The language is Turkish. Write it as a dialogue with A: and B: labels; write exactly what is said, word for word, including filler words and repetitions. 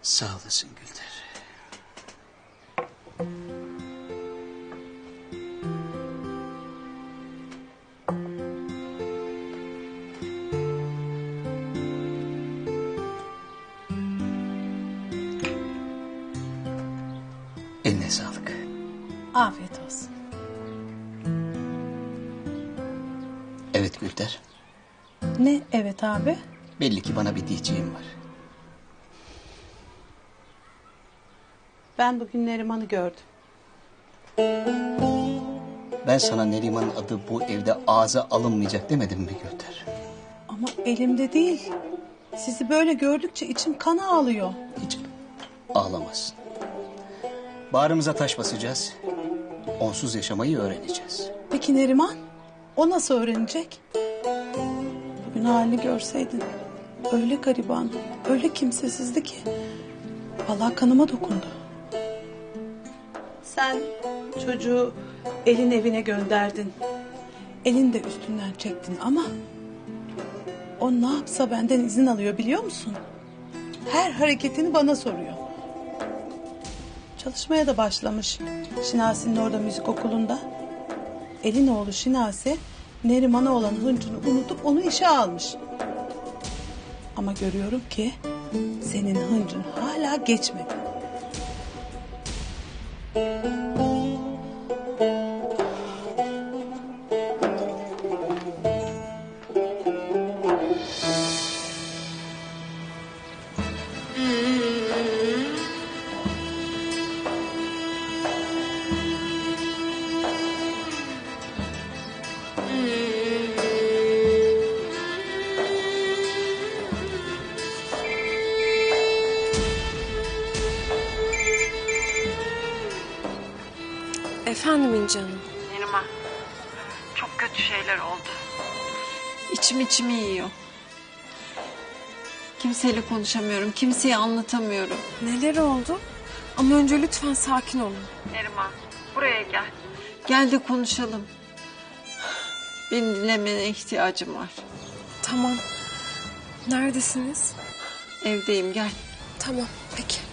A: Sağ olasın Gülder. Eline sağlık.
B: Afiyet olsun.
A: Evet Gülder.
B: Ne evet abi?
A: Belli ki bana bir diyeceğim var.
B: Ben bugün Neriman'ı gördüm.
A: Ben sana Neriman'ın adı bu evde ağza alınmayacak demedim mi Gülder?
B: Ama elimde değil. Sizi böyle gördükçe içim kana ağlıyor.
A: Hiç ağlamazsın. Bağrımıza taş basacağız. Onsuz yaşamayı öğreneceğiz.
B: Peki Neriman? O nasıl öğrenecek? Bugün halini görseydin. Öyle gariban, öyle kimsesizdi ki. Vallahi kanıma dokundu. Sen çocuğu elin evine gönderdin. Elin de üstünden çektin ama... o ne yapsa benden izin alıyor biliyor musun? Her hareketini bana soruyor. Çalışmaya da başlamış. Şinasi'nin orada müzik okulunda. Elin oğlu Şinasi Neriman'a olan hıncını unutup onu işe almış. Ama görüyorum ki senin hıncın hala geçmedi.
C: Efendim İnci Hanım.
D: Neriman, çok kötü şeyler oldu.
C: İçim içimi yiyor. Kimseyle konuşamıyorum, kimseye anlatamıyorum. Neler oldu? Ama önce lütfen sakin olun.
D: Neriman, buraya gel.
C: Gel de konuşalım. Beni dinlemene ihtiyacım var.
E: Tamam. Neredesiniz?
C: Evdeyim, gel.
E: Tamam, peki.